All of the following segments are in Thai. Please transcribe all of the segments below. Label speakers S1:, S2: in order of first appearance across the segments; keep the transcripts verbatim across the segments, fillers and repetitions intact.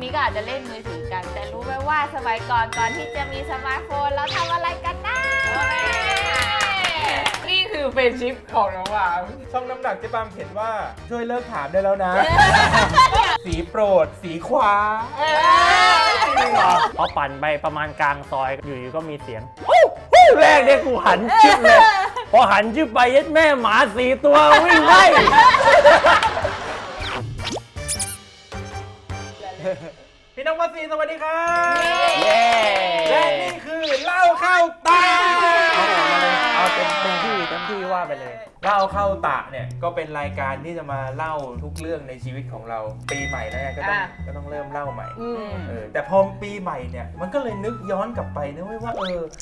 S1: นี้ก็อาจจะเล่นมือถือกันแต่รู้ไหมว่าสมัยก่อนก่อนที่จะมีสมาร์ทโฟนเราทำอะไรกันนะ
S2: นี่คือเฟรนด์ชิพของน้องหวานช่องน้ำหนักเจ๊ปามเขียนว่าช่วยเลิกถามได้แล้วนะ สีโปรดสีขวา
S3: พอปั่นไปประมาณกลางซอยอยู่ๆก็มีเสียงแรกเนี่ยกูหันชึบเลยพอหันชึบไปยัดแม่หมาสี่ตัววิ่งไล่
S2: พี่น้องมาซีสวัสดีครับ
S3: เย้
S2: และนี่คือเล่าเข้าตา
S3: เอาเต็มเต็มที่เต็มที่ว่าไปเลย
S2: เล่าเข้าตาเนี่ยก็เป็นรายการที่จะมาเล่าทุกเรื่องในชีวิตของเราปีใหม่แล้วไงก็ต้องก็ต้องเริ่มเล่าใหม่เออแต่พอปีใหม่เนี่ยมันก็เลยนึกย้อนกลับไปนะว่าเออ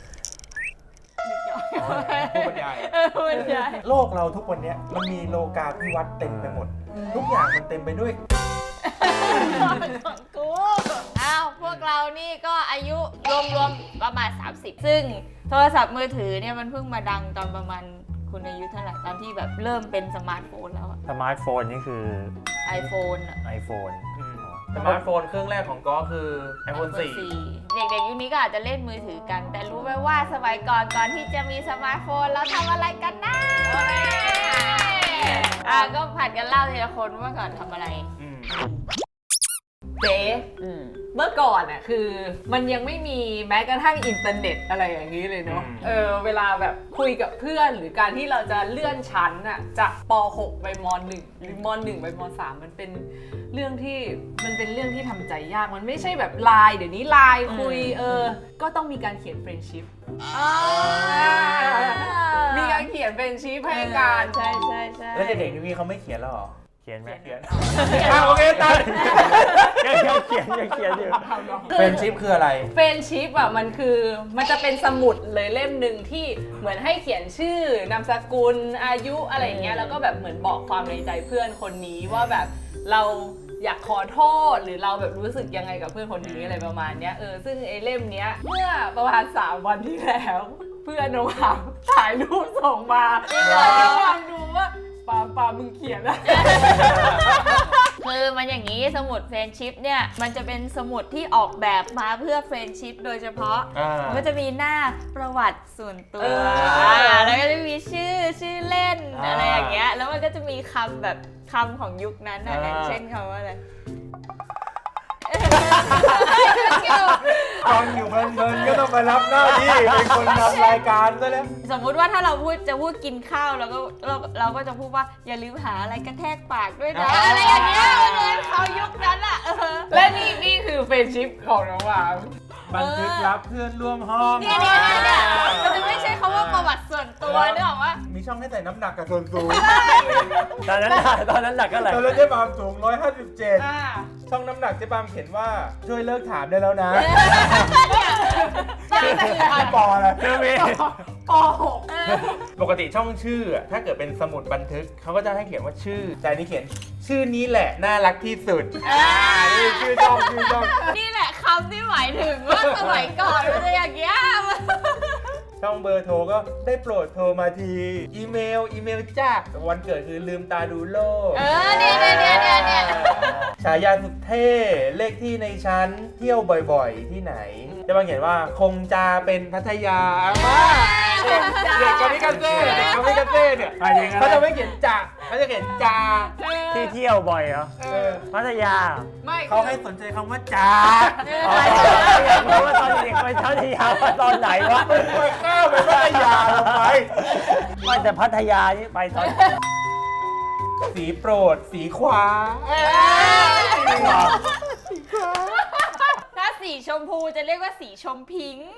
S2: ผู้บรรยายโลกเราทุกวันนี้มันมีโลกาภิวัตน์เต็มไปหมดทุกอย่างมันเต็มไปด้วย
S1: ของกูอ้าวพวกเรานี่ก็อายุรวมๆประมาณสามสิบซึ่งโทรศัพท์มือถือเนี่ยมันเพิ่งมาดังตอนประมาณคุณอายุเท่าไหร่ตอนที่แบบเริ่มเป็นสมาร์ทโฟนแล้วอะ
S3: สมาร์ทโฟนนี่คือ
S1: iPhone อะ
S3: iPhone
S2: สมาร์ทโฟนเครื่องแรกของก็คือ iPhone สี่
S1: เด็กๆยุคนี้ก็อาจจะเล่นมือถือกันแต่รู้ไหมว่าสมัยก่อนก่อนที่จะมีสมาร์ทโฟนเราทำอะไรกันนะอ่ะก็ผัดกันเล่าทีละคนว่าก่อนทำอะไร
S4: เจ๊เมื่อก่อนอ่ะคือมันยังไม่มีแม้กระทั่งอินเทอร์เน็ตอะไรอย่างนี้เลยเนาะเออเวลาแบบคุยกับเพื่อนหรือการที่เราจะเลื่อนชั้นอ่ะจากป หก ไปม หนึ่ง หรือม หนึ่ง ไปม สาม มันเป็นเรื่องที่มันเป็นเรื่องที่ทำใจยากมันไม่ใช่แบบไลน์เดี๋ยวนี้ไลน์คุยเออก็ต้องมีการเขียนเฟรนด์ชิพมีการเขียนเฟรนด์ชิพให้กัน
S1: ใช่ใช่ใช่
S2: แล้วเด็กๆนี่เขาไม่เขียนแล้วหรอ
S3: เขียนไหม
S2: เขียนโอเคตัด
S3: ยังยังเขียนยังเขียนอยู่
S2: เฟรนด์ชิพคืออะไร
S4: เฟรนด์ชิพอ่ะมันคือมันจะเป็นสมุดเลยเล่มหนึ่งที่เหมือนให้เขียนชื่อนามสกุลอายุอะไรอย่างเงี้ยแล้วก็แบบเหมือนบอกความในใจเพื่อนคนนี้ว่าแบบเราอยากขอโทษหรือเราแบบรู้สึกยังไงกับเพื่อนคนนี้อะไรประมาณเนี้ยเออซึ่งไอ้เล่มเนี้ยเมื่อประมาณสามวันที่แล้วเพื่อนน้องหามถ่ายรูปส่งมาให้ความดูว่าปาปามึงเขียนอะ
S1: คือมันอย่างนี้สมุดเฟรนด์ชิพเนี่ยมันจะเป็นสมุดที่ออกแบบมาเพื่อเฟรนด์ชิพโดยเฉพาะมันก็จะมีหน้าประวัติส่วนตัวแล้วก็จะมีชื่อชื่อเล่นอะไรอย่างเงี้ยแล้วมันก็จะมีคำแบบคำของยุคนั้นนะอย่างเช่นคำว่าอะไร
S2: ตอนอยู่เพลินๆก็ต้องมารับหน้าที่เป็นคนทำรายการซะแล้ว
S1: สมมุติว่าถ้าเราพูดจะพูดกินข้าวเราก็เราเราก็จะพูดว่าอย่าลืมหาอะไรกระแทกปากด้วยนะอะไรอย่างเงี้ยเลยเขายุคนั้นอ่ะ
S4: และนี่นี่คือเฟรนด์ชิพของน้องหวาน
S2: บันทึกรับเพื่อนร่วมห้อง
S1: เนี่ยเนี่ยเนี่ยมันจะไม่ใช่คำว่าประวัติส่วนตัวนึกออกว่า
S2: มีช่องให้ใส่น้ำหนักกับส่วนสูง
S3: ตอนนั้นตอนนั้นหนักก็ไหล
S2: ตอนนั้นเจ๊ปามสูงหนึ่งร้อยห้าสิบเจ็ดช่องน้ำหนักเจ๊ปามเขียนว่าช่วยเลิกถามได้แล้วนะปออะไร
S3: คือมี
S4: ป หก
S2: ปกติช่องชื่อถ้าเกิดเป็นสมุดบันทึกเขาก็จะให้เขียนว่าชื่อแต่นี่เขียนชื่อนี้แหละน่ารักที่สุดนี่ชื่อช่องชื่อช่อง
S1: นี่แหละคำที่หมายถึงว่าสมัยก่อนมันจะอย่างเงี้ย
S2: ช่องเบอร์โทรก็ได้โปรดโทรมาทีอีเมลอีเมลจ้าวันเกิดคือลืมตาดูโลก
S1: เออเนี่ยเนี่ยเนี่ยเนี่ย
S2: ฉายาสุดเท่เลขที่ในชั้นเที่ยวบ่อยๆที่ไหนจะมาเขียนว่าคงจะเป็นพัทยามาเด็กกามิกาเซ่เด็กกามิกาเซ่เนี่ยเขาจะไม่เขียนจ่าเขาจะเขียนจา
S3: ที่เที่ยวบ่อยเหรอพัทยา
S2: ไม่เขาให้สนใจคำว่าจา
S3: อยากรู้ว่าตอนเด็กไปพัทยาตอนไหนวะ
S2: ไปข้าวไปพัทยาลงไป
S3: ไม่แต่พัทยานี่ไปตอน
S2: สีโปรดสีขวา
S1: ถ้าสีชมพูจะเรียกว่าสีชมพิงค์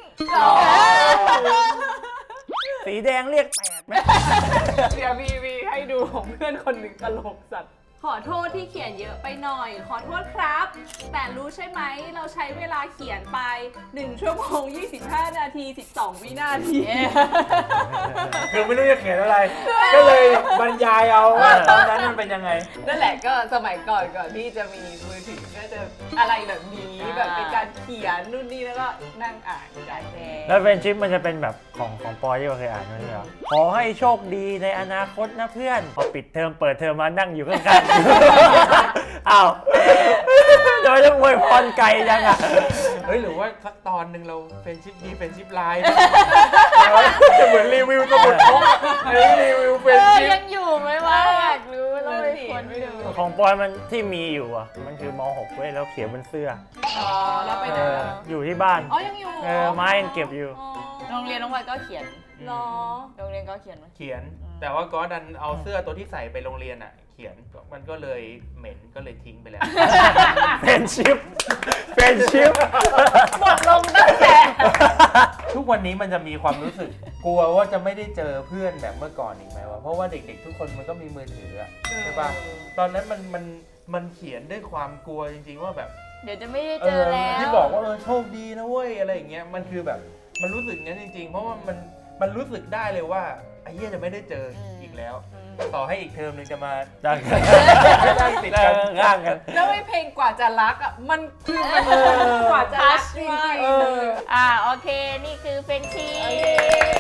S3: สีแดงเรียกแปดไหม
S4: เดี๋ยวมีมีให้ดูของเพื่อนคนหนึ่งตลกสัตว์ขอโทษที่เขียนเยอะไปหน่อยขอโทษครับแต่รู้ใช่ไหมเราใช้เวลาเขียนไปหนึ่งชั่วโมงยี่สิบห้านาทีสิบสองวินาที
S2: คือไม่รู้จะเขียนอะไรก็เลยบรรยายเอาว่าตอนนั้นมันเป็นยังไง
S4: นั่นแหละก็สมัยก่อนก่อนที่จะมีมือถือก็จะอะไรแบบนี้แบบเป็นการเขียนนู่นนี่แล้วก็นั่งอ่านใจแน่
S3: แล้วเฟรนด์ชิพมันจะเป็นแบบของของปอที่เราเคยอ่านนั่นเหรอขอให้โชคดีในอนาคตนะเพื่อนพอปิดเทอมเปิดเทอมมานั่งอยู่ข้างๆอ้าวโดยจะอวยพรไกลจังอ่ะ
S2: เฮ้ยหรือว่าสักตอนหนึ่งเราเฟรนชิพดีเฟรนชิพไลน์จะเหมือนรีวิวสมุดพกรีวิวเฟรน
S1: เออ
S2: ชิพ
S1: ยังอยู่ไหมวะอยากรู้ต้องไปค้นดู
S3: ของปอยมันที่มีอยู่อ่ะมันคือม หก เว้ยแล้วเขียนบนเสื้อ
S4: อ๋อแล้วไปไหน
S3: เออ
S4: อะ
S3: อยู่ที่บ้าน
S4: อ๋อยังอยู่
S3: เออไม้ยังเก็บอยู่
S1: โรงเรียนน้องวายก็เขียน
S4: เหรอ
S1: โรงเรียนก็เขียนไหม
S2: เขียน แต่ว่าก็ดันเอาเสื้อตัวที่ใส่ไปโรงเรียนอ่ะ เขียนมันก็เลยเหม็นก็เลยทิ้งไปแล้ว
S3: เป็นชิปเป็นชิป
S4: หมดลงตั้งแต่
S2: ทุกวันนี้มันจะมีความรู้สึก กลัวว่าจะไม่ได้เจอเพื่อนแบบเมื่อก่อนอีกไหมวะเพราะว่าเด็กๆ ทุกคนมันก็มีมือถืออะใช่ปะตอนนั้นมันมันมันเขียนด้วยความกลัวจริงๆว่าแบบ
S1: เดี๋ยวจะไม่ได้เจอแล้ว
S2: ที่บอกว่าเออโชคดีนะเว้ยอะไรอย่างเงี้ยมันคือแบบมันรู้สึกงั้นจริงๆ เพราะว่ามันมันรู้สึกได้เลยว่าไอ้เหี้ยจะไม่ได้เจออีกแล้ว ต่อให้อีกเทอมหนึงจะมา
S3: ดัง
S2: ได้ติด
S3: แล้
S2: กั
S3: วน ข้างกัน
S4: แล้วไอ้เพลงกว่าจะรักอ่ะมันคือมันกว่าจะรักจริงๆ
S2: เอ
S4: เล
S2: อ
S4: ย
S1: อ่าโอเคนี่คือเฟรนชี
S4: โอเค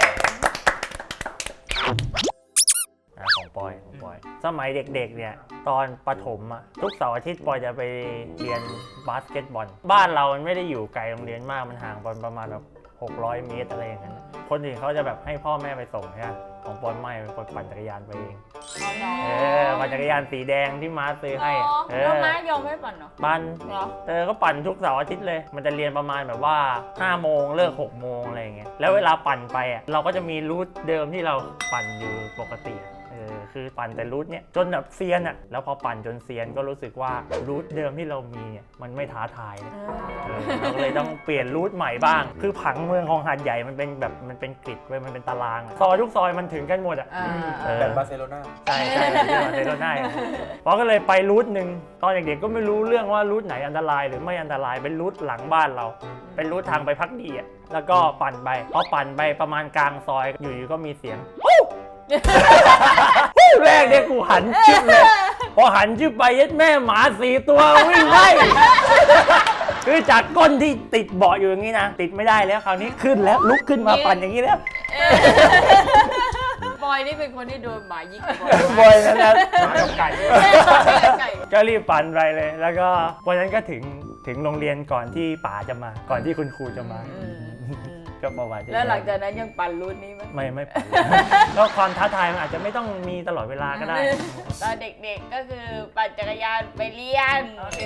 S3: อ่ะของปอยของปอย สมัยเด็กๆเนี่ยตอนประถมอ่ะทุกเสาร์อาทิตย์ปอยจะไปเรียนบาสเกตบอล บ้านเรามันไม่ได้อยู่ไกลโรงเรียนมากมันห่างกันประมาณแบบหกร้อยเมตรอะไรอย่างนั้นคนอื่นเขาจะแบบให้พ่อแม่ไปส่งใช่ไหมของปอยไม่ปอยปั่นจักรยานไปเองเออปั่นจักรยานสีแดงที่ม้าซื้อให้อะเอ
S1: แล้ว
S3: อ
S1: ม้ายอมให้ปั่นเหรอ
S3: ปั่น
S1: เหรอ
S3: เออก็ปั่นทุกเสาร์อาทิตย์เลย มันจะเรียนประมาณแบบว่าห้าโมงเลิกหกโมงอะไรอย่างเงี้ยแล้วเวลาปั่นไปอ่ะเราก็จะมีรูทเดิมที่เราปั่นอยู่ปกติอะเออคือปั่นแต่รูทเนี้ยจนแบบเซียนอ่ะแล้วพอปั่นจนเซียนก็รู้สึกว่ารูทเดิมที่เรามีเนี่ยมันไม่ท้าทายนะ เออเราก็เลยต้องเปลี่ยนรูทใหม่บ้าง คือผังเมืองของหาดใหญ่มันเป็นแบบมันเป็นกริดเว้ยมันเป็นตารางอะซอยทุกซอยมันถึงกันหมดอ่ะ
S4: อ่า
S3: เออ
S2: แบบบาร์เซโลนา
S3: ใช่ใช่แบบที่มาเซโลน่าเพราะก็เลยไปรูทหนึ่งตอนเด็กๆก็ไม่รู้เรื่องว่ารูทไหนอันตรายหรือไม่อันตรายเป็นรูทหลังบ้านเรา เป็นรูททางไปพักดีอ่ะแล้วก็ปั่นไปพอปั่นไปประมาณกลางซอยอยู่ๆก็มีเสียง แรกเนี่ยกูหันชึบเลยพอหันชึบไปยัดแม่หมาสี่ตัววิ่งไล่ คือจากก้นที่ติดเบาะอยู่อย่างนี้นะติดไม่ได้แล้วคราวนี้ขึ้นแล้วลุกขึ้นมาปั่นอย่างนี้แล้ว
S1: บอยนี่เป็นคนที่โดนหมายิงบ่อย
S3: บ่อยนะนะ
S2: หมากับไก่
S1: ไก่
S3: ก็รีบปั่นไปเลย แล้วก็วันนั้นก็ถึงถึงโรงเรียนก่อนที่ป๋าจะมา ก่อนที่คุณครูจะมา
S1: อืมอืม
S3: ก็ประวัติ
S1: แล้วหลังจากนั้นยังปั่นรูทนี้ไหม
S3: ไม่ไม่ปั่น ก็ความท้าทายมันอาจจะไม่ต้องมีตลอดเวลาก็ได้
S1: ตอนเด็กๆก็คือปั่นจักรยานไปเรียน
S4: โอเค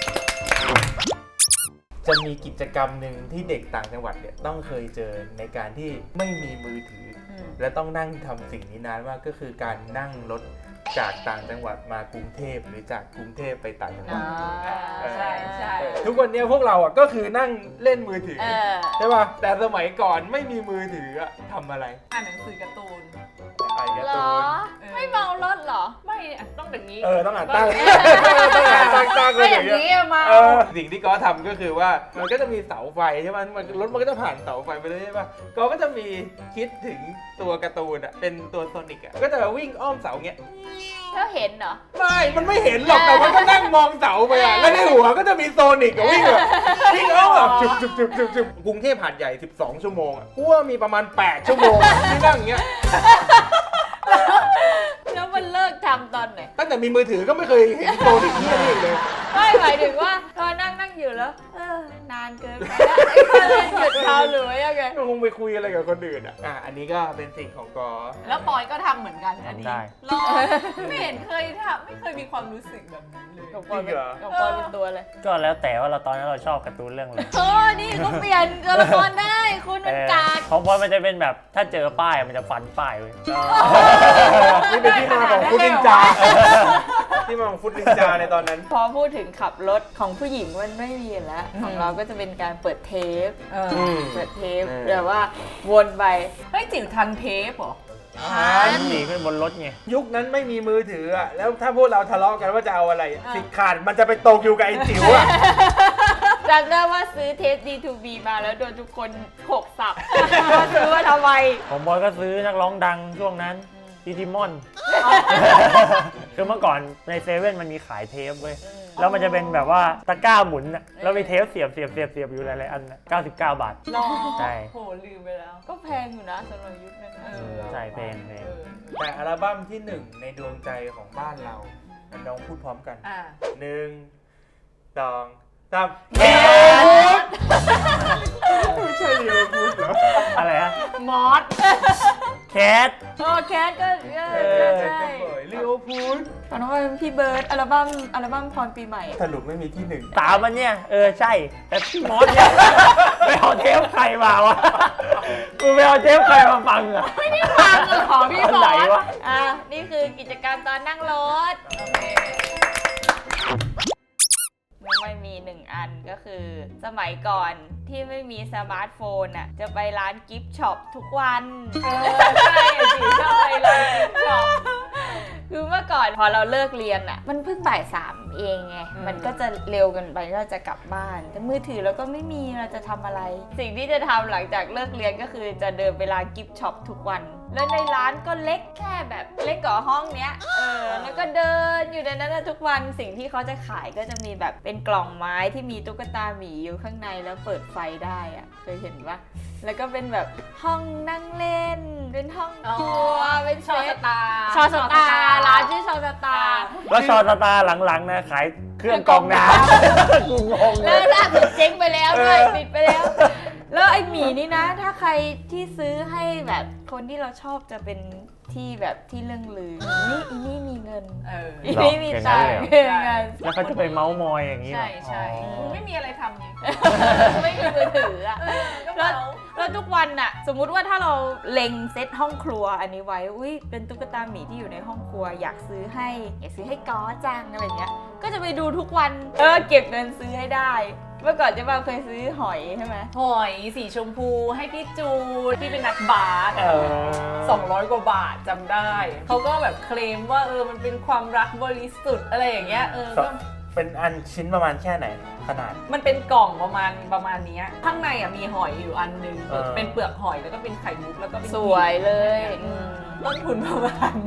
S2: จะมีกิจกรรมหนึ่งที่เด็กต่างจังหวัดเนี่ยต้องเคยเจอในการที่ไม่มีมือถืออ
S1: ม
S2: และต้องนั่งทำสิ่งนี้นานมากก็คือการนั่งรถจากต่างจังหวัดมากรุงเทพหรือจากกรุงเทพไปต่างจังหวัด
S4: ใช่ใช่
S2: ทุกวันนี้พวกเราอ่ะก็คือนั่งเล่นมือถือ
S1: เออ
S2: ใช่ป่ะแต่สมัยก่อนไม่มีมือถืออะทำอะไร
S4: อ่านหนังสือการ์ตูน
S2: ไอ้การ์
S1: เหร
S2: ตู
S1: อ
S2: น
S4: เออ
S1: ไม่เมารถเหรอ
S4: ไม่อ่ะต้องอย่างนี้
S2: เออต้องอ่านตั้งต้องอ่านตั้งตั้งเล
S1: ไม่
S2: ย
S1: อ
S2: อย่า
S1: ย่าง ง
S2: เงี้ย
S1: นี้มา
S2: เออสิ่งที่ก็ทำก็คือว่ามันก็จะมีเสาไฟใช่ไหมมันรถมันก็จะผ่านเสาไฟไปเลยใช่ป่ะก็ก็จะมีคิดถึงตัวการ์ตูนอ่ะเป็นตัวโซนิกอ่ะก็จะวิ่งอ้อมเสาเงี้ย
S1: แล้วเห็นเหรอ
S2: ไม่มันไม่เห็นหรอกแต่มันก็นั่งมองเสาไปอ่ะแล้วในหัวก็จะมีโซนิกอ่ะวิ่งแบบวิ่งอ้อมแบบจุบจุบจุบจุบจุบกรุงเทพหาดใหญ่สิบสองชั่วโมงอ่ะกูว่ามีประมาณแปดชั่วโมงอะที่นั่งอย่างเงี้ย
S1: แล้วมันเลิกทำตอนไหน
S2: ตั้งแต่มีมือถือก็ไม่เคยเห็นโซนิกที่นี่อีกเลย
S1: ไม่หมายถึงว่าตอนนั่งนั่งอยู่แล้ว เออนานเกินไปแล้วไอ้คนเล่นหยุดทำหรือว่ายังไง
S2: ก็คงไปคุยอะไรกับคนอื่นอ่ะ อ่ะ อันนี้ก็เป็นสิ่งของกอ
S4: แล้วปอยก็ทำเหมือนกันอันนี้
S3: ทำได้
S4: รอไม่เห็นเคยทำไม่เคยมีความรู้สึกแบบนี้เลย
S1: ของปอยเป็นของปอยเป็นตัวเลย
S3: ก็แล้วแต่ว่าเราตอนนั้นเราชอบการ์ตูนเรื่องอะไร
S1: โอ้นี่เขาเปลี่ยนตัวละครได้ คุณมันกาก
S3: ของบอยมันจะเป็นแบบถ้าเจอป้ายมันจะฟันป้ายเว้ย
S2: นี่เป็นที่มาของฟุตนินจา ที่มาของฟุตนินจาในตอนนั้น
S1: พอพูดถึงขับรถของผู้หญิงมันไม่มีแล้ว ของเราก็จะเป็นการเปิดเทป
S4: เออ
S2: อืม
S1: เปิดเทป
S2: เออ
S1: แบบว่าวนไป
S4: เฮ้ยจิ๋วทันเทปเหรอ
S3: หนีขึ้นบนรถไง
S2: ยุคนั้นไม่มีมือถืออ่ะ แล้วถ้าพวกเราทะเลาะกันว่าจะเอาอะไรอะสิทธิ์ขาดมันจะไปตกอยู่กับไอ้จิ๋วอ่ะ
S1: จำได้ว่าซื้อเทป ดี ทู บี มาแล้วโดนทุกคนโขกสับ ซื้อว่าทำไม
S3: ของบอยก็ซื้อนักร้องดังช่วงนั้นดิจิมอน คือเมื่อก่อนในเซเว่นมันมีขายเทปเว้ย แล้วมันจะเป็นแบบว่าตะกร้าหมุนน่ะแล้วมีเทปเสียบเสียบเสียบเสียบอยู่หลายๆอันน่ะเก้าสิบเก้าบาท
S1: รอ
S3: ใช่
S4: โหลืมไปแล้ว
S1: ก็แพงอยู่นะสำหรับยุคนั้นนะ
S4: เออ
S3: ใช่เพลงเพลง
S4: เออ
S2: แต่อัลบั้มที่หนึ่งในดวงใจของบ้านเรามันลองพูดพร้อมกัน
S4: อ่า
S2: หนึ่งสองสาม
S3: แคท
S2: ไม่ใช่เดียวพูดเหรอ
S3: อะไรฮะ
S1: มอส
S3: แคท
S1: โอ้แคทก็เอ
S2: เอ
S1: อ
S2: อ
S1: ใช่
S2: จะบ่อยลิโอพูด
S1: ตอนนั้นเป็นพี่เบิร์ดอัลบั้มอัลบั้มพรปีใหม่
S2: สรุปไม่มีที่หนึ่ง
S3: สามมันเนี่ยเออใช่แต่พี่มอสเนี่ย ไปเอาเทปใครมาวะมึงไปเอาเทปใครมาฟังอ่ะ
S1: ไม่ได้ฟังเลยของพี่
S3: อัน
S1: บอ
S3: ไหน
S1: ส
S3: วะ
S1: อ่ะนี่คือกิจกรรมตอนนั่งรถไม่ไม่มีหนึ่งอันก็คือสมัยก่อนที่ไม่มีสมาร์ทโฟนอ่ะจะไปร้านกิฟต์ช็อปทุกวัน
S4: เออใช่จิ๋วชอบไปเลยชอบ
S1: คือเมื่อก่อนพอเราเลิกเรียนอ่ะมันเพิ่งบ่ายสามเองไง
S4: อืม
S1: มันก็จะเร็วเกันไปที่เราจะกลับบ้านแต่มือถือเราก็ไม่มีเราจะทำอะไร สิ่งที่จะทำหลังจากเลิกเรียนก็คือจะเดินไปร้านกิฟต์ช็อปทุกวัน แล้วในร้านก็เล็กแค่แบบเล็กกว่าห้องเนี้ยเออแล้วก็เดินอยู่ในนั้นนะทุกวันสิ่งที่เขาจะขายก็จะมีแบบเป็นกล่องไม้ที่มีตุ๊กตาหมีอยู่ข้างในแล้วเปิดไฟได้อ่ะเคยเห็นปะแล้วก็เป็นแบบห้องนั่งเล่น เป็นห้องครัวเป็น
S4: ชอ
S1: เซ
S4: ส
S1: ต
S4: ตาร์
S1: ชอสตาร์ร้านชื่อชอสตาร์
S3: แล้วชอตตาหลังๆนะขายเครื่องกรองน้ำกูงงเล
S1: แล้ว
S3: ย
S1: ล่าสุดเจ๊งไปแล้วด้วย
S3: เออ
S1: ปิดไปแล้ว แล้วไอหมีนี่นะ ถ้าใครที่ซื้อให้แบบคนที่เราชอบจะเป็นที่แบบที่เรื่องลือนี่อีนี่มีเงิน
S4: เออ
S1: อีนี่มีตังค์
S3: หรอ
S1: มีเงิน
S3: แล้วเขาจะไปเมาส์มอยอย่างนี้เหรอ
S4: ใช่ใช่
S3: อ๋อ
S4: กูไม่มีอะไรทำไง
S1: ไม่มีมือถืออะ
S4: ก็
S1: แล้ว
S4: เมา
S1: แล้วทุกวันน่ะ สมมุติว่าถ้าเราเล็งเซตห้องครัวอันนี้ไว้อุ้ยเป็นตุ๊กตาหมีที่อยู่ในห้องครัว อยากซื้อให้อยากซื้อให้ก้อจังอะไรเงี้ยก็จะไปดูทุกวันเออเก็บเงินซื้อให้ได้ เมื่อก่อนเจ๊บ้าเคยซื้อหอยใช่ไหม
S4: หอยสีชมพูให้พี่จูนที่เป็นนักบาส
S3: เออ
S4: สองร้อยกว่าบาทจำได้ เขาก็แบบเคลมว่าเออมันเป็นความรักบริสุทธิ์อะไรอย่างเงี้ยเออก็
S2: เป็นอันชิ้นประมาณแค่ไหนขนาด
S4: มันเป็นกล่องประมาณประมาณเนี้ยข้างในอ่ะมีหอยอยู่อันนึง
S2: เออ
S4: เป็นเปลือกหอยแล้วก็เป็นไข่มุกแล้วก็เป็น
S1: สวยเลย
S4: อืมต้นทุนประมาณ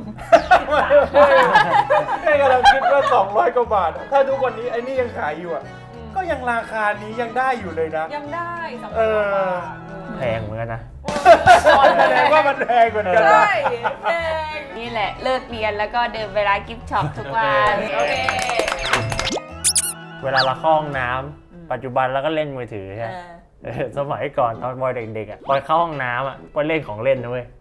S2: แค่กำลังคิดว่าสองร้อยกว่าบาทอะถ้าทุกวันนี้ไอ้นี่ยังขายอยู่อ่ะ ก็ยังราคานี้ยังได้อยู่เลยนะ
S4: ยังได้สอง
S2: เอ
S4: ร้อย
S2: อ
S4: บาท
S3: แพงเหมือนกันนะ
S2: แสดงว่ามันแพงเหมือนกันนะ
S4: ใช่แพง
S1: นี่แหละเลิกเรียนแล้วก็เดินไปร้านกิฟต์ช็อปทุกวัน
S4: โอเค
S3: เวลาเราเข้าห้องน้ำปัจจุบันเราก็เล่นมือถือ
S1: เอ
S3: ใช่ไหม
S1: อ
S3: เออสมัยก่อนตอนบอยเด็กๆอ่ะบอยเข้าห้องน้ำอ่ะบอยเล่นของเล่นนะเว้ย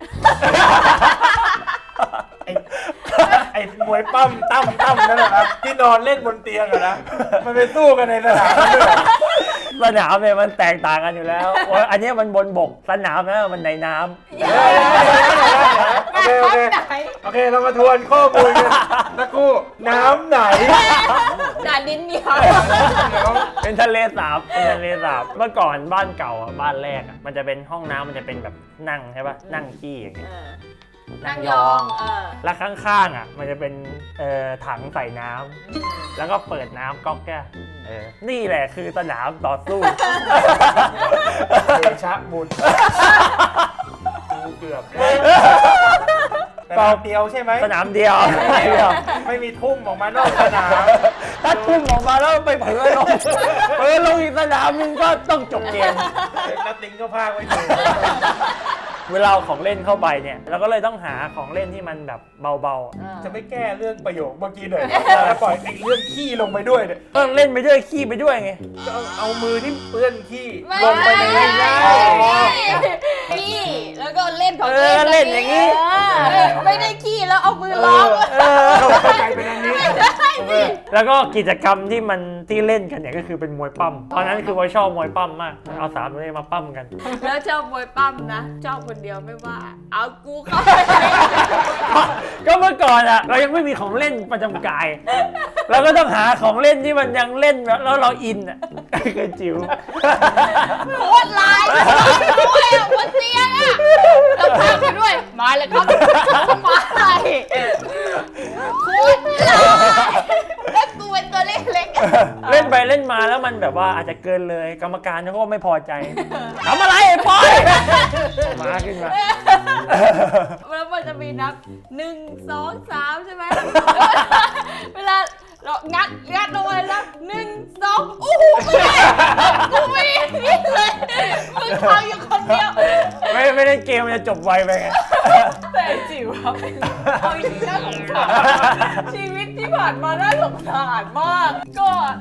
S2: ไอ้ไอ้มวยปั้มตั้มตั้มนั่นแหละครับที่นอนเล่นบนเตียงอะนะมันไปสู้กันในสนามด้วย
S3: สนามเนี่ยมันแตกต่างกันอยู่แล้วโอ้ยอันเนี้ยมันบนบกสนามนะมันในน้ำ
S2: โอเคโอเคโอเคเรามาทวนข้อมูลกันสักครู่น้ำไหน
S1: ด่านดินเหนียว
S2: เดี๋ยว
S3: เป็นทะเลสาบเป็นทะเลสาบเมื่อก่อนบ้านเก่าอ่ะบ้านแรกอ่ะมันจะเป็นห้องน้ำมันจะเป็นแบบนั่งใช่ป่ะนั่งขี้อย่างเงี้ย
S1: นั่งยองเออ
S3: แล้วข้างๆอ่ะมันจะเป็นเอ่อถังใส่น้ำแล้วก็เปิดน้ำก๊อกแก้วเออนี่แหละคือสนามต่อสู้
S2: เดชะบุญกูเกือบสนามเดียวใช่ไหม
S3: สนามเดียว
S2: ไม่มีทุ่มออกมานอกสนาม
S3: ถ้าทุ่มออกมาแล้วไปเผลอลงเผลอลงอีกสนามนึงก็ต้องจบเกม
S2: นัดติงก็พากไว้อยู่
S3: เวลาเอาของเล่นเข้าไปเนี่ยเราก็เลยต้องหาของเล่นที่มันแบบเบาๆอะ
S2: จะไม่แก้เรื่องประโยคเมื่อกี้หน่อยแล้วปล่อยไอ้เรื่องขี้ลงไปด้วยเนี่ย
S3: ก็เล่นไปด้วยขี้ไปด้วยไง
S2: เอาเอามือที่เปื้อนขี้
S1: ไม่
S2: ลงไปใน
S1: ไม่
S2: นี้
S1: ไม่
S2: ได้
S1: ขี้แล้วก็เล่นของ
S3: เออเล่นอย่างนี้
S1: เออไม่ได้ขี้แล้วเอามือล้อม
S3: เออ
S2: เข้าใจเป็นอันนี้
S3: แล้วก็กิจกรรมที่มันที่เล่นกันเนี่ยก็คือเป็นมวยปั้มตอนนั้นคือว่าชอบมวยปั้มมากเอาสามตัวนี้มาปั้มกัน
S1: แล้วชอบมวยปั้มนะชอบคนเดียวไม่ว่า เอากูเข้าไป
S3: ก็เมื่อก่อนอะเรายังไม่มีของเล่นประจำกาย เราก็ต้องหาของเล่นที่มันยังเล่นแล้วเราอินอะคือจิ๋ว
S1: โคตรร้ายด้วยอ่ะบนเตียงอ่ะแล้วพาไปด้วย มาเลยครับมาเลยโคตรร้ายแล้วกูเป็นตัวเล็กๆ
S3: เล่นไปเล่นมาแล้วมันแบบว่าอาจจะเกินเลยกรรมการเขาก็ไม่พอใจทำอะไรไอ้ปอยมาขึ้นมา
S1: แล้วมันจะมีนับหนึ่งสองสามใช่ไหมเวลาเรางัดงัดลงไปแล้วหนึ่งสองโอ้โหไม่ได้กูไม่ได้นี่เลยมึงทำอยู่คนเดียว
S3: ไม่ไม่ได้เกมมันจะจบไวไปไง
S4: แต่ไอ้จิ๋วอะเป็นเอาจริงๆน่าสงสารชีวิตที่ผ่านมาน่าสงสารมาก ก็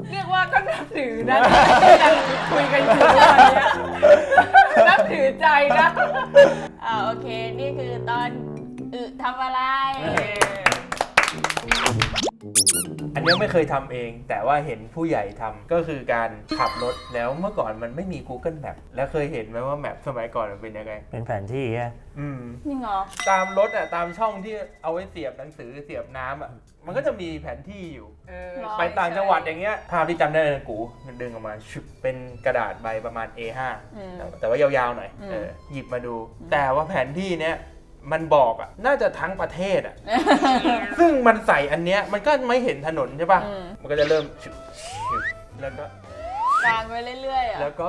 S4: เรียกว่าก็นับถือนะยังคุยกันอยู่ตอนเนี้ยนับถือใจนะ
S1: อ่าโอเค นี่คือตอนอึทำอะไร
S2: อันนี้ไม่เคยทำเอง แต่ว่าเห็นผู้ใหญ่ทำก็คือการขับรถแล้วเมื่อก่อนมันไม่มี Google Map แล้วเคยเห็นไหมว่าแมปสมัยก่อนมันเป็นยังไง
S3: เป็นแผนที่แค่
S2: อืม
S1: นี่เหรอ
S2: ตามรถอ่ะตามช่องที่เอาไว้เสียบหนังสือเสียบน้ำอ่ะมันก็จะมีแผนที่อยู่
S4: เออ
S2: ไปต่างจังหวัดอย่างเงี้ยภาพที่จำได้เลยกูดึงออกมาชุบเป็นกระดาษใบประมาณ เอ ห้า
S1: อืม
S2: แต่ว่ายาวๆหน่อย
S1: อืม
S2: เออหยิบมาดู แต่ว่าแผนที่เนี้ยมันบอกอ่ะน่าจะทั้งประเทศอ่ะ ซึ่งมันใส่อันเนี้ยมันก็ไม่เห็นถนนใช่ป่ะ
S1: อืม
S2: มันก็จะเริ่มชุบชุบแล้วก็
S1: กลางไปเรื่อยๆอ่ะ
S2: แล้วก็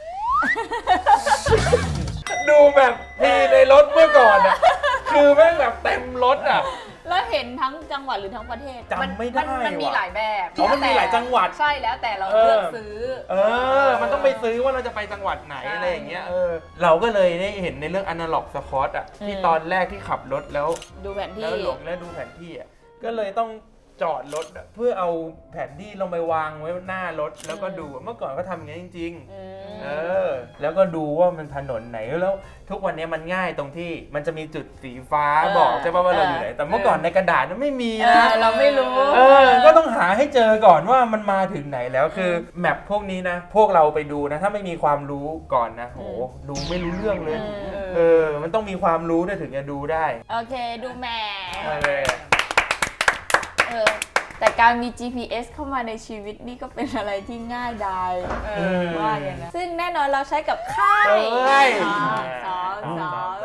S2: ดูแบบที่ในรถเมื่อก่อนอ่ะคือแม่งแบบเต็มรถอ่ะ
S1: แล้วเห็นทั้งจังหวัดหรือทั้งประเทศ
S2: จำไม่ได้
S4: นมันมี
S2: ว่ะ
S4: หลายแบบ
S2: อ๋อมันมีหลายจังหวัด
S4: ใช่แล้วแต่เรา
S2: เออ
S4: เลือกซื้อ
S2: เออ มันต้องไปซื้อว่าเราจะไปจังหวัดไหน
S4: ใช่
S2: อะไรอย่างเงี้ย เออ เราก็เลยได้เห็นในเรื่อง Analog Squad อ่ะ ที่
S1: อืม
S2: ตอนแรกที่ขับรถแล้ว
S1: ดูแผนที่
S2: แล้วหลงแล้วดูแผนที่อ่ะ ก็เลยต้องจอดรถอะเพื่อเอาแผนที่ลงไปวางไว้หน้ารถแล้วก็ดูเมื่อก่อนก็ทำอย่างนี้จริง
S1: อืม
S2: ๆ เออ แล้วก็ดูว่ามันถนนไหนแล้วทุกวันนี้มันง่ายตรงที่มันจะมีจุดสีฟ้า
S1: เออ
S2: บอกใช่ป่ะว่าเรา
S1: เออ
S2: อ
S1: อ
S2: ยู่ไหน แต่เมื่อก่อนในกระดาษมันไม่มี
S1: เอ
S2: นะ
S1: อเราไม่รู้
S2: เออ ก็ต้องหาให้เจอก่อนว่ามันมาถึงไหนแล้วคือแมปพวกนี้นะ พวกเราไปดูนะ ถ้าไม่มีความรู้ก่อนนะโหดูไม่รู้เรื่องเลย
S1: อืม
S2: เออ มันต้องมีความรู้ด้วยถึงจะดูได้
S1: โอเคดูแหม่
S2: เออ
S1: เออแต่การมี จี พี เอส เข้ามาในชีวิตนี่ก็เป็นอะไรที่ง่ายดาย
S4: เอ
S2: อื
S4: อ
S2: ม
S1: ว่าอย่างนั้นซึ่งแน่นอนเราใช้กับค่าย
S2: เอ้ย
S1: สองสองสอง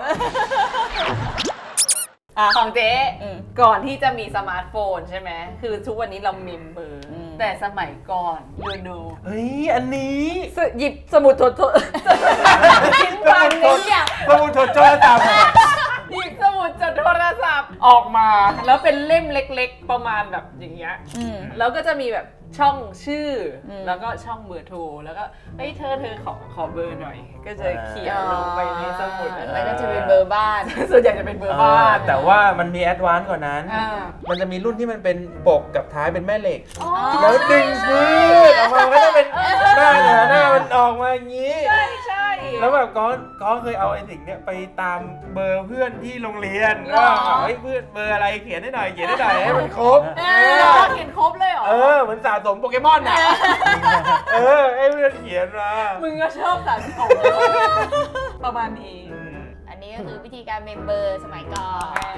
S4: ของเจ๊
S1: อืม
S4: ก่อนที่จะมีสมาร์ทโฟนใช่ไหมคือทุกวันนี้เราเมมเบอร์
S1: อืม
S4: แต่สมัยก่อนดูดู
S2: เฮ้ย อันนี้
S4: สหยิบสมุดโทรทิ้งวางในเนี่ย
S2: สมุดโทรศัพท์
S4: หยิบสมุดจดโทรศัพท์ออกมา แล้วเป็นเล่มเล็กๆ ประมาณแบบอย่างเงี้ย
S1: อืม
S4: แล้วก็จะมีแบบช่องชื่ออ
S1: ม
S4: แล้วก็ช่องเบอร์โทรแล้วก็เฮ้ยเธอเธอขอขอเบอร์หน่อย ก็จะเขียนลงไปในสมุด
S1: แล้วก็จะเป็นเบอร์บ้าน
S4: ส่วนใหญ่จะเป็นเบอร์บ้าน
S2: แต่ว่ามันมีแอดวานซ์กว่านั้น
S4: อ่า
S2: มันจะมีรุ่นที่มันเป็นปกกับท้ายเป็นแม่เหล็ก
S4: อ๋อ
S2: แล้วดึงพืดออกมาก็จะเป็นหน้าเนี่ยหน้ามันออกมาอย่างนี้
S4: ใช่ใช่
S2: แล้วแบบก้อนก้อนเคยเอาไอ้สิ่งเนี้ยไปตามเบอร์เพื่อนที่โรงเรียน
S4: หรอ
S2: ว่าเฮ้ยเพื่อนเบอร์อะไรเขียนให้หน่อยเขียนให้หน่อยให้มันครบ
S1: เอ
S2: เอ
S1: อ
S2: อ
S4: เขียนครบเลยเหรอ
S2: เออเหมือนสะสมโปเกมอนอ่ะเออให้เพื่อนเขียนมา
S4: มึงก็ชอบสะสมประมาณนี้
S2: อืม
S1: อันนี้ก็คือวิธีการเมมเบอร์สมัยก่อน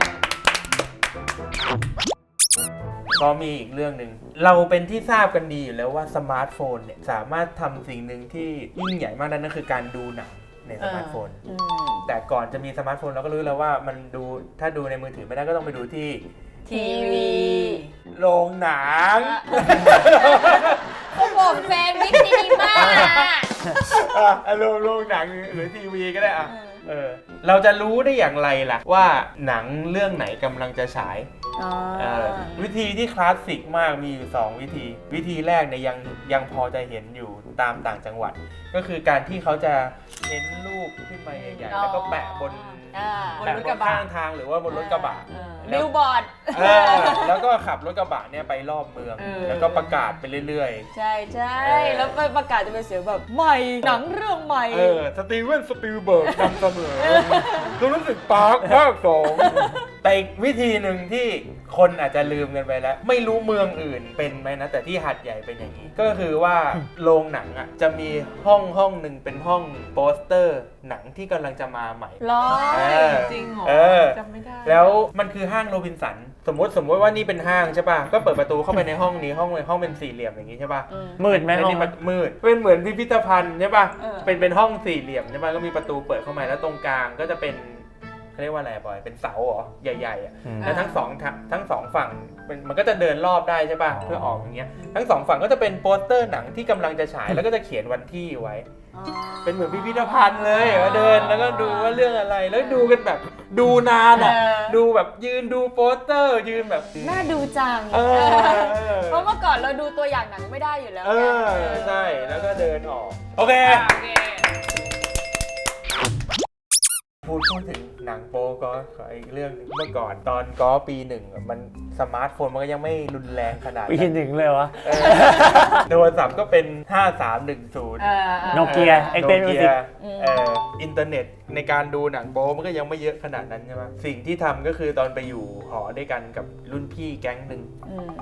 S2: ก็มีอีกเรื่องหนึ่งเราเป็นที่ทราบกันดีอยู่แล้วว่าสมาร์ทโฟนเนี่ยสามารถทำสิ่งหนึ่งที่ยิ่งใหญ่มากนั่นก็คือการดูหนังในสมาร์ทโฟน
S1: อืม
S2: แต่ก่อนจะมีสมาร์ทโฟนเราก็รู้แล้วว่ามันดูถ้าดูในมือถือไม่ได้ก็ต้องไปดูที่
S1: ทีวี
S2: โรงหนัง
S1: เขาบอกแฟนวิซีนีมา
S2: อ่ะโรงโรงหนังหรือทีวีก็ได้อ่ะเออเราจะรู้ได้อย่างไรล่ะว่าหนังเรื่องไหนกำลังจะฉายเออวิธีที่คลาสสิกมากมีอยู่สองวิธี วิธีแรกเนี่ยยังยังพอจะเห็นอยู่ตามต่างจังหวัด ก็คือการที่เขาจะเพ้นรูปขึ้นมาใหญ่ๆแล้วก็แปะบน
S1: อ่า
S4: บน
S2: แปะ
S4: รถ
S2: บ
S4: กระ
S2: น
S4: บะ
S2: ข้างทางหรือว่าบนรถกระบะ
S4: เออ
S1: บิลบอร์ด
S2: เออแล้วก็ขับรถกระบะเนี่ยไปรอบเมือง
S4: เออ
S2: แล้วก็ประกาศไปเรื่อย
S1: ใช่ใช่
S2: เออ
S1: แล้วประกาศจะเป็นเสียงแบบใหม่หนังเรื่องใหม่
S2: ๆ เออ สตีเวนสปิลเบิร์กนำเสนอตัวรู้สึกปาร์คภาคสองแต่อีกวิธีหนึ่งที่คนอาจจะลืมกันไปแล้ว ไม่รู้เมืองอื่นเป็นไหมนะ แต่ที่หัดใหญ่เป็นอย่างนี้ ก็คือว่าโรงหนังอ่ะจะมีห้องห้องหนึ่งเป็นห้องโปสเตอร์หนังที่กำลังจะมาใหม่
S1: ร้อ
S2: เอย อ
S4: จริงเหรอ
S2: เออ
S4: จำไม่ได้
S2: แล้วมันคือห้างโรบินสัน สมมติสมมติว่านี่เป็นห้างใช่ป่ะ ก็เปิดประตูเข้าไปในห้องนี้ห้องห้องเป็นสี่เหลี่ยมอย่างนี้ใช่ป่ะ
S1: อืม
S3: มืดไหม
S2: แล้ว
S3: ห้อง
S2: นี่
S3: มั
S2: มัน นมืด เป็นเหมือนพิพิธภัณฑ์ใช่ป่ะ
S1: เออ
S2: เป็นเป็นห้องสี่เหลี่ยมใช่ป่ะ ก็มีประตูเปิดเข้ามาแล้วตรงกลางก็จะเป็นเขาเรียกว่าอะไรบอย เป็นเสาเหรอ ใหญ่ๆอ่ะ
S3: อืม
S2: แล้วทั้งสองทางทั้งสองฝั่งเป็นมันก็จะเดินรอบได้ใช่ป่ะ
S3: อ๋อ
S2: เพื่อออกอย่างเงี้ย ทั้งสองฝั่งก็จะเป็นโปสเตอร์หนังที่กำลังจะฉายแล้วก็จะเขียนวันที่ไว้
S1: อ๋อ
S2: เป็นเหมือนพิพิธภัณฑ์เลยว่าเดินแล้วก็ดูว่าเรื่องอะไร แล้วดูกันแบบดูนานอ่ะ
S1: เออ
S2: ดูแบบยืนดูโปสเตอร์ ยืนแบบ
S1: น่าดูจัง
S2: เออ
S1: เพราะเมื่อก่อนเราดูตัวอย่างหนังไม่ได้อยู่แล้ว
S2: เอ
S1: ไง
S2: อ ใช่ แล้วก็เดินออก โอเค
S4: โอเค
S2: พูดพูดถึงหนังโป๊ก็ขออีกเรื่องหนึ่งเมื่อก่อนตอนก็ปีหนึ่งอะมันสมาร์ทโฟนมันก็ยังไม่รุนแรงขนาด
S3: ปี
S2: นั้น
S3: หนึ่งเลยวะ
S2: เออโทรศัพท์ก็เป็น ห้าสามหนึ่งศูนย์
S4: เออเออ
S3: โนเกีย
S2: โน
S3: Xpen
S2: เกี
S3: Music
S2: เอ่ออินเทอร์เน็ตในการดูหนังโป๊มันก็ยังไม่เยอะขนาดนั้นใช่ไหมสิ่งที่ทำก็คือตอนไปอยู่หอด้วยกันกับรุ่นพี่แก๊งหนึ่ง
S1: อืม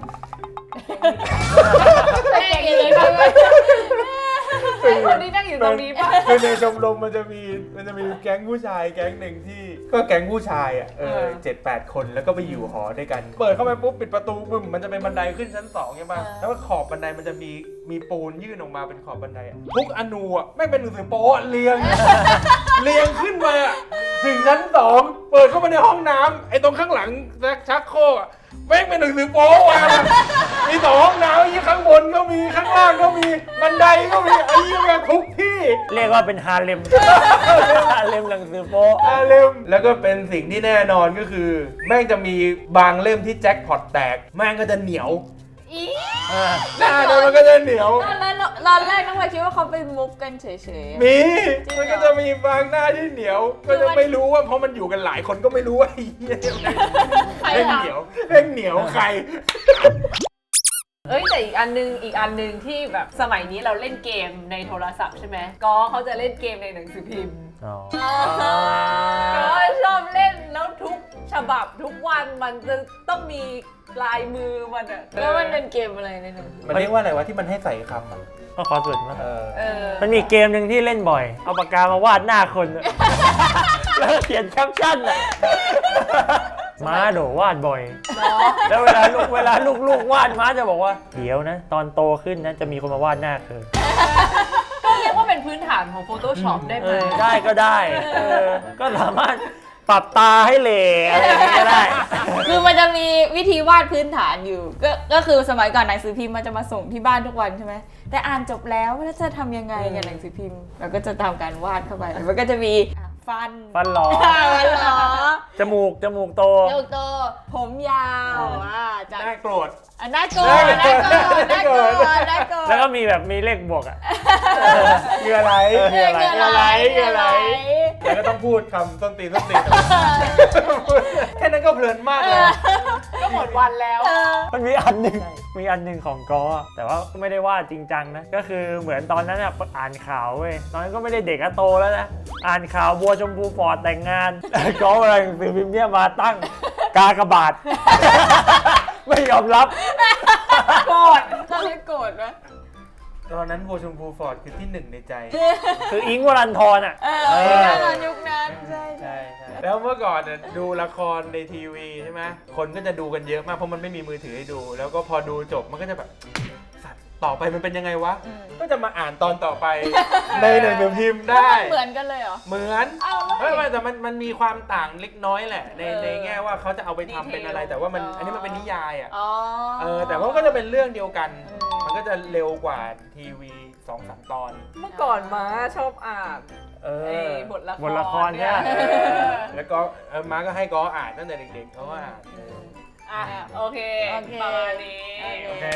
S4: เก่งเลยใช่ไหมไอ้คนที่นั่งอยู่ตรงนี้ป่ะ
S2: คือในชมรมมันจะมีมันจะมีแก๊งผู้ชายแก๊งหนึ่งที่ก็แก๊งผู้ชายอ่ะเออ
S4: เออ
S2: เจ็ดแปดคนแล้วก็ไปอยู่หอด้วยกัน เปิดเข้าไปปุ๊บปิดประตูบึ้มมันจะเป็นบันไดขึ้นชั้นสองใช่ไหมแล้วก็ขอบบันไดมันจะมีมีปูนยื่นออกมาเป็นขอบบันไดอะทุกอนูอ่ะไม่เป็นหนังสือโป๊ะเรียง เรียงขึ้นมาถึงชั้นสองเปิดเข้ามาในห้องน้ำไอ้ตรงข้างหลังชักโครกอะแม่งเป็นหนังสือโป๊วางมีสองห้องน้ำยี่ข้างบนก็มีข้างล่างก็มีบันไดก็มีไอ้ยี่แม่งทุกที่
S3: เรียกว่าเป็นฮาเลม ฮาเลมหนังสือโป๊
S2: อ่าเล่มแล้วก็เป็นสิ่งที่แน่นอนก็คือ แม่งจะมีบางเล่มที่แจ็คพอตแตกแม่งก็จะเหนียว
S1: อี
S3: อ่า
S2: หน้าเนี่ยมันก็จะเหนียว
S1: ตอนแรกตอนแรกน้องวายคิดว่าเขาไปมุกกันเฉยๆอะ
S2: มี
S1: จริงเหรอ
S2: มันก็จะมีบางหน้าที่เหนียว ก็จะไม่รู้ว่าเพราะมันอยู่กันหลายคนก็ไม่รู้ว่าไอ้เหี้ย
S1: ใคร
S2: เล่น
S1: ทำ
S2: เหนียวเล่นเหนียวใคร
S4: เอ้ยแต่อีกอันนึงอีกอันนึงที่แบบสมัยนี้เราเล่นเกมในโทรศัพท์ใช่ไหมก็เขาจะเล่นเกมในหนังสือพิมพ์
S3: อ๋อ
S4: ก็ชอบเล่นแล้วทุกฉบับทุกวันมันจะต้องมีลายมือมันอะ
S1: แล้วมันเป็นเกมอะไรในหนัง
S2: มันเรียกว่าอะไรวะที่มันให้ใส่คำอ่ะ
S3: ก็ขอสุดมั้ง
S2: เออ
S4: เออ
S3: มันมีเกมหนึ่งที่เล่นบ่อย เอาปากกามาวาดหน้าคนอะ แล้วก็เขียนแคปชั่นอ่ะ ม้าโดวาดบ่อย แล้วเวลาลูกเวลาลูกลูกวาดม้าจะบอกว่า เดี๋ยวนะ ตอนโตขึ้นนะจะมีคนมาวาดหน้าเธอ
S4: ก็เรียกว่าเป็นพื้นฐานของ Photoshop ได้ไห
S3: เอ
S4: ม
S3: อได้ก็ได้เออก็สามารถปรับตาให้เหล่อะไรอย่างเงี้ยก็ได้
S1: คือมันจะมีวิธีวาดพื้นฐานอยู่ ก็ก็คือสมัยก่อนหนังสือพิมพ์มันจะมาส่งที่บ้านทุกวันใช่ไหมแต่อ่านจบแล้วแล้วจะทำยังไงกับหนังสือพิมพ์เราก็จะทำการวาดเข้าไปมันก็จะมีอ่ะฟัน
S3: ฟันหลอ
S1: ฟันหรอ
S3: จมูกจมูกโต
S1: เจ้าโตผมยาวอ่ะจาก
S2: น่าโกรธ
S1: อ่ะน่าโกรธน่าโกรธน่าโกรธน่าโกรธ
S3: แล้วก็มีแบบมีเลขบวกอ่ะ
S2: เงื่อไหล
S3: เออ
S2: เงื่อไหล
S1: เงื่อไหล
S2: เงื่อไหลแล้วก็ต้องพูดคำต้นตีนต้นตีนแค่นั้นก็เพลินมากเลย
S4: ก็หมดวันแล้ว
S3: มันมีอันหนึ่งมีอันหนึ่งของกอแต่ว่าก็ไม่ได้ว่าจริงจังนะ ก็คือเหมือนตอนนั้นอ่ะอ่านข่าวเว้ยตอนนั้นก็ไม่ได้เด็กอะโตแล้วนะ อ่านข่าวบัวชมพูฟอร์ดแต่งงาน กออะไรหนังสือพิมพ์เนี่ยมาตั้งกากบาท ไม่ยอมรับ
S1: โกรธตอนนี้โกรธไหม
S2: ตอนนั้นโบชมพูฟอร์ดคือที่หนึ่งในใจ
S3: คืออิงค์วรันทรอ่ะ
S1: เออยุคนั้นยุคนั้นใช่ใช่
S2: ใช่ใช่แล้วเมื่อก่อนน่ะดูละครในทีวีใช่ไหมคนก็จะดูกันเยอะมากเพราะมันไม่มีมือถือให้ดู แล้วก็พอดูจบมันก็จะแบบสัตว์ต่อไปมันเป็นยังไงวะ
S1: อืม
S2: ก็จะมาอ่านตอนต่อไป ในหนังสือพิมพ์ได้
S1: เหมือนกันเลยเหรอ
S2: เหมือน
S1: เอาแล้ว
S2: เฮ้ยไม่แต่มันมันมีความต่างเล็กน้อยแหละ ใน
S4: เออ
S2: ในแง่ว่าเขาจะเอาไปทำเป็นอะไร แต่ว่ามัน
S1: อ๋ออั
S2: อันนี้มันเป็นนิยายอ่ะ
S1: อ๋อ
S2: เออแต่ว่ามันก็จะเป็นเรื่องเดียวกัน
S1: อืม
S2: มันก็จะเร็วกว่าทีวีสองสามตอน
S4: เมื่อก่อนม้าชอบอ่าน
S2: เอ
S4: ไอ้
S2: อ
S4: บทละคร
S3: บทละครเนี่ย
S2: เออแล้วก็เออมาก็ให้ก้ออ่านตั้งแต่เด็กๆเขาก็อ่านเออ
S4: อ่ะโอเค
S1: โอเค
S4: ประมาณนี้
S1: โอเค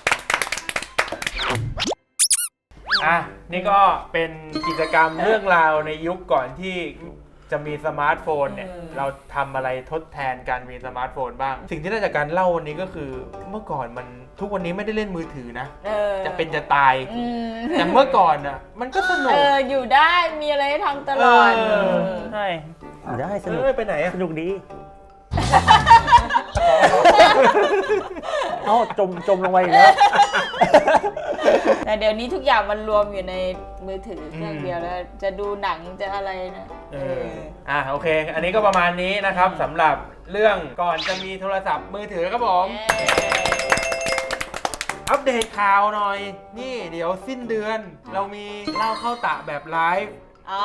S2: อ่ะนี่ก็เป็นกิจกรรมเรื่องราวในยุคก่อนที่จะมีสมาร์ทโฟนเนี่ย
S4: อืม
S2: เราทำอะไรทดแทนการมีสมาร์ทโฟนบ้าง สิ่งที่ได้จากการเล่าวันนี้ก็คือเมื่อก่อนมันทุกวันนี้ไม่ได้เล่นมือถือนะ
S1: เออ
S2: จะเป็นจะตาย
S1: อืม
S2: แต่เมื่อก่อนอ่ะมันก็สนุ
S1: เอก ออยู่ได้มีอะไรให้ทำตลอด
S2: เออ
S3: ใช่อยู่ได้สนุก
S2: เออไปไหนอ่ะ
S3: สนุกดี เอ้าจมจมลงไปอีกแล้ว
S1: แต่เดี๋ยวนี้ทุกอย่างมันรวมอยู่ในมือถือเครื่องเดียวแล้ว จะดูหนังจะอะไรนะ
S2: เอออ่ะโอเค อันนี้ก็ประมาณนี้นะครับสำหรับเรื่องก่อนจะมีโทรศัพท์มือถือครับผม อัปเดตข่าวหน่อย นี่เดี๋ยวสิ้นเดือน เรามีเล่าเข้าตะแบบไลฟ์
S1: อ๋อ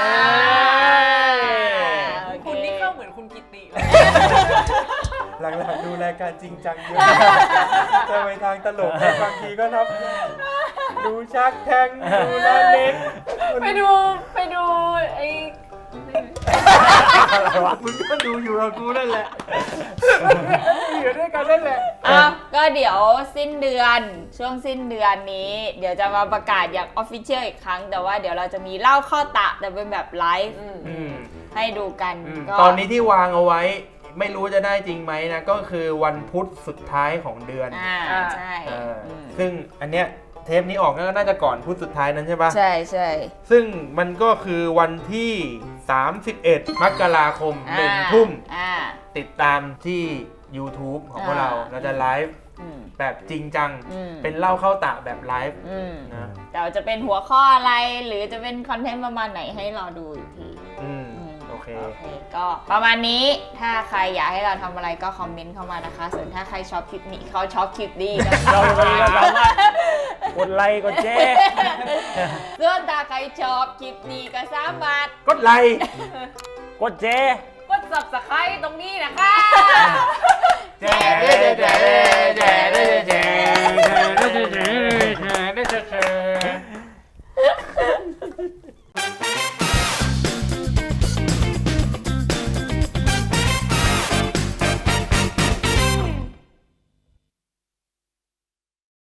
S2: โอเค
S4: คุณนี่ก็เหมือนคุณกิติเลย
S2: หลังๆดูรายการจริงจังเยอะจะไปทางตลกบางทีก็นับดูชักแทงดูหน้าเน็ก
S4: ไปดูไปดูไอ้
S3: อะไรวะ
S2: มึงก็ดูอยู่กับกูนั่นแหละอยู่ด้วยกันนั่นแหละ
S1: อ้าวก็เดี๋ยวสิ้นเดือนช่วงสิ้นเดือนนี้ เดี๋ยวจะมาประกาศอย่างออฟฟิเชียลอีกครั้ง แต่ว่าเดี๋ยวเราจะมีเล่าข้อตะแต่เป็นแบบไลฟ์
S4: อืม
S2: อืม
S1: ให้ดูกัน
S2: อืม
S1: ก็
S2: ตอนนี้ที่วางเอาไว้ไม่รู้จะได้จริงไหมนะก็คือวันพุธสุดท้ายของเดือน
S1: อ่า
S4: อ่า
S1: ใช่
S2: เอออ
S1: ม
S2: ซึ่งอันเนี้ยเทปนี้ออกก็น่าจะก่อนพุธสุดท้ายนั้นใช่ปะ
S1: ใช่ใช่
S2: ซึ่งมันก็คือวันที่ สามสิบเอ็ด มกราคมหนึ่งทุ่ม
S1: อ่า
S2: ติดตามที่ YouTube ของพวกเรา
S1: อ่า
S2: เราจะไลฟ์
S1: อืม
S2: แบบจริงจัง
S1: อืม
S2: เป็นเล่าเข้าตะแบบไลฟ์
S1: อืม
S2: นะ
S1: แต่ว่าจะเป็นหัวข้ออะไรหรือจะเป็นคอนเทนต์ประมาณไหนให้รอดูอีกที
S2: อืม
S1: อืม
S2: โอเค
S1: โอเค ก็ประมาณนี้ถ้าใครอยากให้เราทำอะไรก็คอมเมนต์เข้ามานะคะ ส่วนถ้าใครชอบคลิปนี้เขาชอบคลิปนี้นะ
S3: เราจะมีก็สามารถกดไลค์กดแชร์
S1: ส่วนถ้าใครชอบคลิปนี้ก็สามารถ
S2: กดไลค์
S3: กดแชร์
S4: กด ซับสไครบ์ ตรงนี้นะคะ
S2: แจ๊ะแจ๊ะแจ๊ะแจ๊ะแจ๊ะแจ๊ะแจ๊ะ